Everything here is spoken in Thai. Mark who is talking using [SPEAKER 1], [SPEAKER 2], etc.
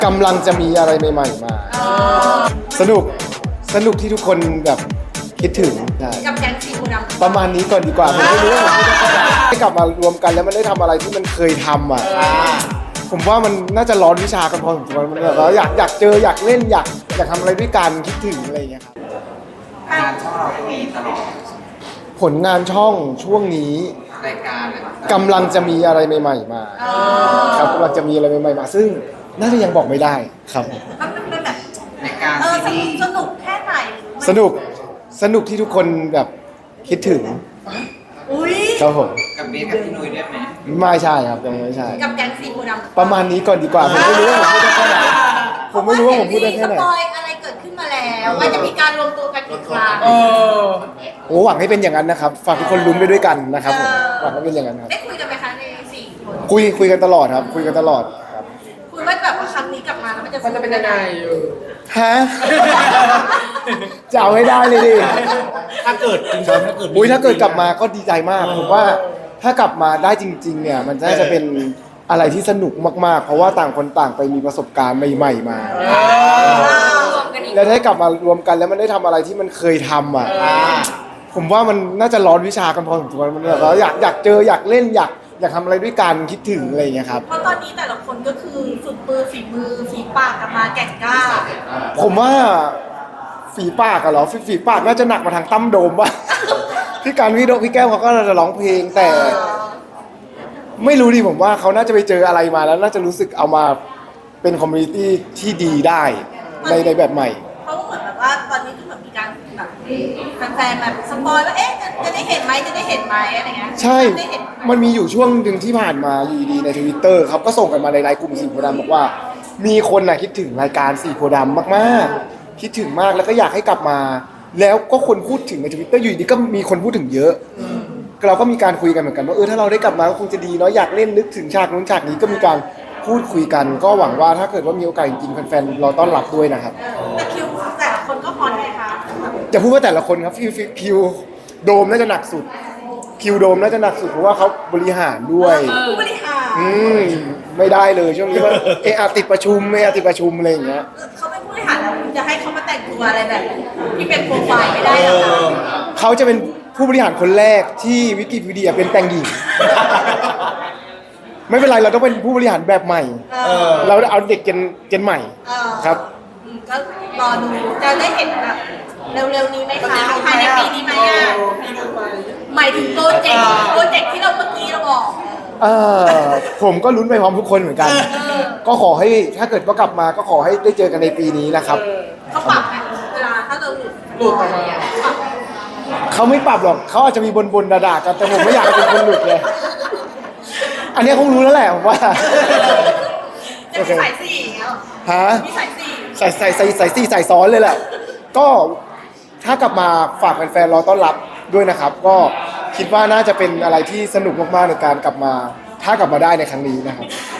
[SPEAKER 1] กำลังจะมีอะไรใหม่ๆมาสนุกที่ทุกคนแบบคิดถึงใช่
[SPEAKER 2] กับแก๊งสีโพธิ์ดำ
[SPEAKER 1] ประมาณนี้ก่อนดีกว่าผมไม่รู้ว่าผมพูดได้แค่ไหนให้กลับมารวมกันแล้วมันได้ทำอะไรที่มันเคยทำอ่ะผมว่ามันน่าจะร้อนวิชากันพอสมควรมันแบบว่าอยากเจออยากเล่นอยากทำอะไรด้วยกันคิดถึงอะไรอย่างเงี้ยครับ
[SPEAKER 3] งานช่องเราก็มีตลอด
[SPEAKER 1] ผลงานช่องช่วงนี้
[SPEAKER 3] รายการอะไร
[SPEAKER 1] กำลังจะมีอะไรใหม่ๆมาครับกำลังจะมีอะไรใหม่ๆมาซึ่งน่าจะยังบอกไม่ได้ครับ
[SPEAKER 2] มันเป็นแบบ
[SPEAKER 3] รายการซีรีส์
[SPEAKER 2] สนุกแค่ไหน
[SPEAKER 1] สนุกที่ทุกคนแบบคิดถึง
[SPEAKER 2] อุ้ย
[SPEAKER 1] ครับผม
[SPEAKER 3] กับเบสกับพี่นุ้ยด้วยไหม
[SPEAKER 1] ไม่ใช่ครับยังไม่ใช่
[SPEAKER 2] กับแก๊งสีโพธิ์ดำ
[SPEAKER 1] ประมาณนี้ก่อนดีกว่าผมไม่รู้ว่าผมพูดได้แค่ไหนผมไม่รู้ว่าผมพูดได้แค่ไหน
[SPEAKER 2] สปอยอะไรเกิดขึ้นมาแล้วว่าจะมีการรวมตัวกันอีกครั้ง
[SPEAKER 1] โอ้หวังให้เป็นอย่างนั้นนะครับฝากทุกคนลุ้นไปด้วยกันนะครับผมหวังให้เป็นอย่างนั้นครับ
[SPEAKER 2] ได้คุยกันไหมคะในสี่คน
[SPEAKER 1] คุยกันตลอดครับคุยกันตลอดครับ
[SPEAKER 2] คุยว่าแบบว่าครั้งนี้กลับมาแล้วมันจะเป็นยังไง
[SPEAKER 1] ฮะจะเอาให้ได้เลยดิ
[SPEAKER 4] ถ้าเกิดจริงๆถ้าเกิด
[SPEAKER 1] อุ้ยถ้าเกิดกลับมาก็ดีใจมากผมว่าถ้ากลับมาได้จริงๆเนี่ยมันน่าจะเป็นอะไรที่สนุกมากๆ เพราะว่าต่างคนต่างไปมีประสบการณ์ใหม่ๆมา
[SPEAKER 2] รวมกันอีก
[SPEAKER 1] แล้วถ้ากลับมารวมกันแล้วมันได้ทำอะไรที่มันเคยทำอ่ะผมว่ามันน่าจะร้อนวิชากันพอสมควรมันแบบว่าอยากเจออยากเล่นอยากทำอะไรด้วยกันคิดถึงอะไรอย่างเงี้ยครับ
[SPEAKER 2] เพราะตอนนี้แต่ละคนก็คือฝึกมือฝีปากกันมาแก่งกล้า
[SPEAKER 1] ผมว่าฝีปากอะเหรอฝีปากน่าจะหนักมาทางตั้มโดมป่ะ พี่การพี่แก้วเขาก็น่าจะร้องเพลงแต่ ไม่รู้ดิผมว่าเขาน่าจะไปเจออะไรมาแล้วน่าจะรู้สึกเอามาเป็นคอมมูนิตี้ที่ดีได้ในแบบใหม่
[SPEAKER 2] เพราะว่าเหมือนแบบว่าตอนนี้ก็เหมือนมีการแบบแฟนๆแบบสปอยว่าเอ๊ะจะได้เห็นไหมจะได้เห็นไหมอะไรเงี้ย
[SPEAKER 1] ใช่
[SPEAKER 2] ได้เห็นไหม
[SPEAKER 1] มันมีอยู่ช่วงหนึ่งที่ผ่านมาอยู่ดีใน Twitter ครับก็ส่งกันมาในไลน์กลุ่มสีโพธิ์ดำบอกว่า มีคนน่ะคิดถึงรายการสีโพธิ์ดำมากๆ คิดถึงมากแล้วก็อยากให้กลับมา แล้วก็คนพูดถึงใน Twitter อยู่ดีก็มีคนพูดถึงเยอะเราก็มีการคุยกันเหมือนกันว่าถ้าเราได้กลับมาก็คงจะดีเนาะอยากเล่นนึกถึงฉากนู้นฉากนี้ก็มีการพูดคุยกัน ก็หวังว่าถ้าเกิดว่ามีโอกาสจริงๆแฟนๆเราต้อนรับด้วยนะครับ
[SPEAKER 2] แต่คิวแต่ละคนก็ฮอนไงคะ
[SPEAKER 1] จะพูดว่าแต่ละคนครับคิวโดมน่าจะหนักสุดคิวโดมน่าจะหนักสุดเพราะว่าเขาบริหารด้วย
[SPEAKER 2] ผู้บริหาร
[SPEAKER 1] ไม่ได้เลยช่วงนี้ว่าติดประชุมติดประชุมอะไรอย่างเงี้ย
[SPEAKER 2] เขาเป็นผู้บริหารแล้วคุณจะให้เขามาแต่งตัวอะไรแบบที่เป็นโปรไฟล์ไม่ได้หรอกคะ
[SPEAKER 1] เขาจะเป็นผู้บริหารคนแรกที่วิกิพีเดียเป็นแต่งหญิง ไม่เป็นไรเราต้องเป็นผู้บริหารแบบใหม่ เราเอาเด็กเจนใหม่ครับ
[SPEAKER 2] ก็รอดูจะได้เห็นแบบเร็วๆนี้ไหมคะภายในปีนี้ไหมอ่ะหมายถึงโปรเจกต์ที่เราเมื่อกี้เราบอก
[SPEAKER 1] ผมก็ลุ้นไปพร้อมทุกคนเหมือนกัน ก็ขอให้ถ้าเกิดว่ากลับมาก็ขอให้ได้เจอกันในปีนี้นะครับ
[SPEAKER 2] เขาปรับไหมเวลาถ้าเราหลุดออกมา
[SPEAKER 1] เขาไม่ปรับหรอกเขาอาจจะมีบนด่าๆกันแต่ผมไม่อยากให้เป็นคนหลุดเลย อันนี้คงรู้แล้วแหละผมว่า
[SPEAKER 2] จะมีสายสี่อย่างเงี้ยหรอ
[SPEAKER 1] ฮะ
[SPEAKER 2] มีสายสี่
[SPEAKER 1] ใส่ซ้อนเลยแหละ ก็ถ้ากลับมาฝากแฟนๆรอต้อนรับด้วยนะครับ ก็คิดว่าน่าจะเป็นอะไรที่สนุกมากๆในการกลับมา ถ้ากลับมาได้ในครั้งนี้นะครับ